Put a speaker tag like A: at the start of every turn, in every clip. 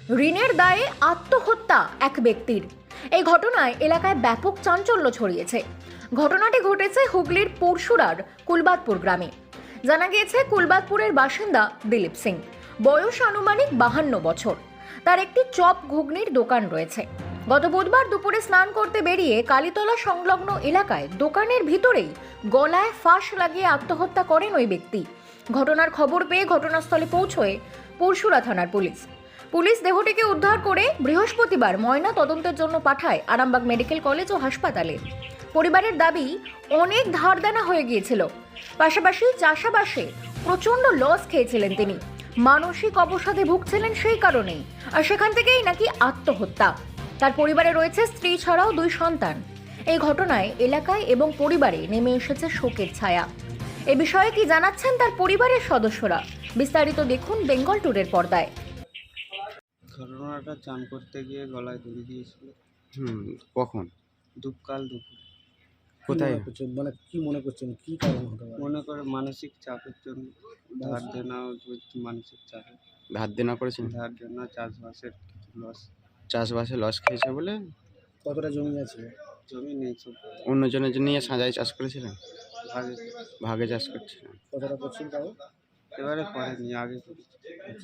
A: ঋণের দায়ে আত্মহত্যা এক ব্যক্তির। এই ঘটনায় এলাকায় ব্যাপক চাঞ্চল্য ছড়িয়েছে। ঘটনাটি ঘটেছে হুগলির পরশুরার কুলবাদপুর গ্রামে। জানা গিয়েছে কুলবাদপুরের বাসিন্দা দিলীপ সিং, বয়স আনুমানিক 52 বছর। তার একটি চপ ঘুগনির দোকান রয়েছে। গত বুধবার দুপুরে স্নান করতে বেরিয়ে কালীতলা সংলগ্ন এলাকায় দোকানের ভিতরেই গলায় ফাঁস লাগিয়ে আত্মহত্যা করেন ওই ব্যক্তি। ঘটনার খবর পেয়ে ঘটনাস্থলে পৌঁছয় পরশুরা থানার পুলিশ দেহটিকে উদ্ধার করে বৃহস্পতিবার ময়না তদন্তের জন্য পাঠায় আরামবাগ মেডিকেল কলেজ ও হাসপাতালে। পরিবারের দাবি, অনেক ধার দেনা হয়ে গিয়েছিল, পাশাপাশি চাষাবাসে প্রচন্ড লস খেয়েছিলেন তিনি, মানসিক অবসাদে ভুগছিলেন সেই কারণেই, আর সেখান থেকেই নাকি আত্মহত্যা। তার পরিবারে রয়েছে স্ত্রী ছাড়াও 2 সন্তান। এই ঘটনায় এলাকায় এবং পরিবারে নেমে এসেছে শোকের ছায়া। এ বিষয়ে কি জানাচ্ছেন তার পরিবারের সদস্যরা, বিস্তারিত দেখুন বেঙ্গল টুডের পর্দায়।
B: ঘটনাটা চান করতে গিয়ে গলায় দড়ি দিয়েছিল।
C: কখন?
B: দুপুর।
C: কোথায়?
D: মানে কি মনে করছেন, কি কারণ হতে পারে?
B: মনে করে মানসিক চাপের জন্য ধার দেনা, মানসিক চাপে
C: ধার দেনা করেছেন?
B: ধার দেনা, চাষবাসের কিছু লস।
C: চাষবাসে লস খেয়েছে বলে?
D: কতটা জমি আছে?
B: জমি নেই, সব
C: অন্যজনের জন্য সাজাই চাষ করেছিলেন?
B: ভাগে।
C: ভাগে চাষ করছিলেন?
D: কতটা করছেন তাও?
B: এবারে করেনি, আগে করেছি।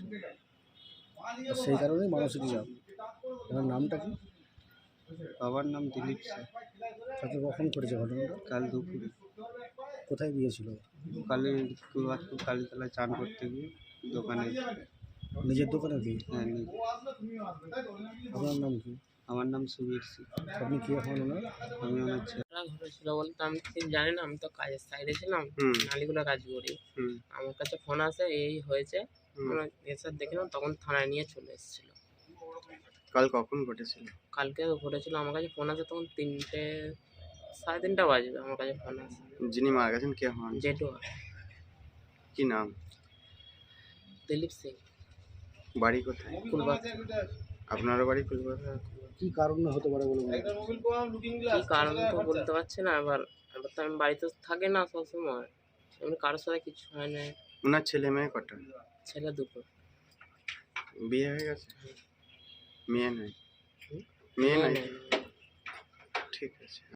D: আর সেই কারণেই মানসিক চাপ। আপনার নামটা কি?
B: বাবার নাম দিলীপ সিং।
D: তাকে কখন করেছে ঘটনাটা?
B: কাল দুপুরে
D: কোথায় গিয়েছিল?
B: কুলবাদপুর কালীতলায় চান করতে গিয়ে দোকানে।
D: নিজের দোকানে কি?
B: হ্যাঁ, নিজে।
D: আপনার নাম কি?
B: আমার নাম সুবীর সিং।
D: আপনি কি এখন ওনার?
B: আমি ওনার ছেলে।
E: ঘটেছিল বলতে আমি ঠিক জানি না, আমি তো কাজের সাইডে ছিলাম, নালিগুলো কাজ করি। আমার কাছে ফোন আসে এই হয়েছে, এসে দেখলাম, তখন থানায় নিয়ে চলে এসেছিল।
C: কাল কখন ঘটেছিল?
E: কালকে ঘটেছিল, আমার কাছে ফোন আসে তখন 3টে, 3:30 বাজবে, আমার কাছে ফোন আসে।
C: যিনি মারা গেছেন কে হন?
E: জেঠু,
C: কি নাম?
E: দিলীপ সিং,
C: বাড়ি কোথায়?
E: কুলবাদপুর।
C: আপনারও বাড়ি কলকাতা?
D: কি কারণে হতে পারে বলে মনে করছেন?
E: কি কারণ তো বলতে পারছি না। এবার তো আমি বাড়িতে থাকি না সবসময়, এমনি কারোর সাথে কিছু হয় না।
C: ওনার ছেলে মেয়ে কটা?
E: ছেলে 2টো।
C: বিয়ে হয়ে গেছে? মেয়ে নাই? মেয়ে নাই? ঠিক আছে।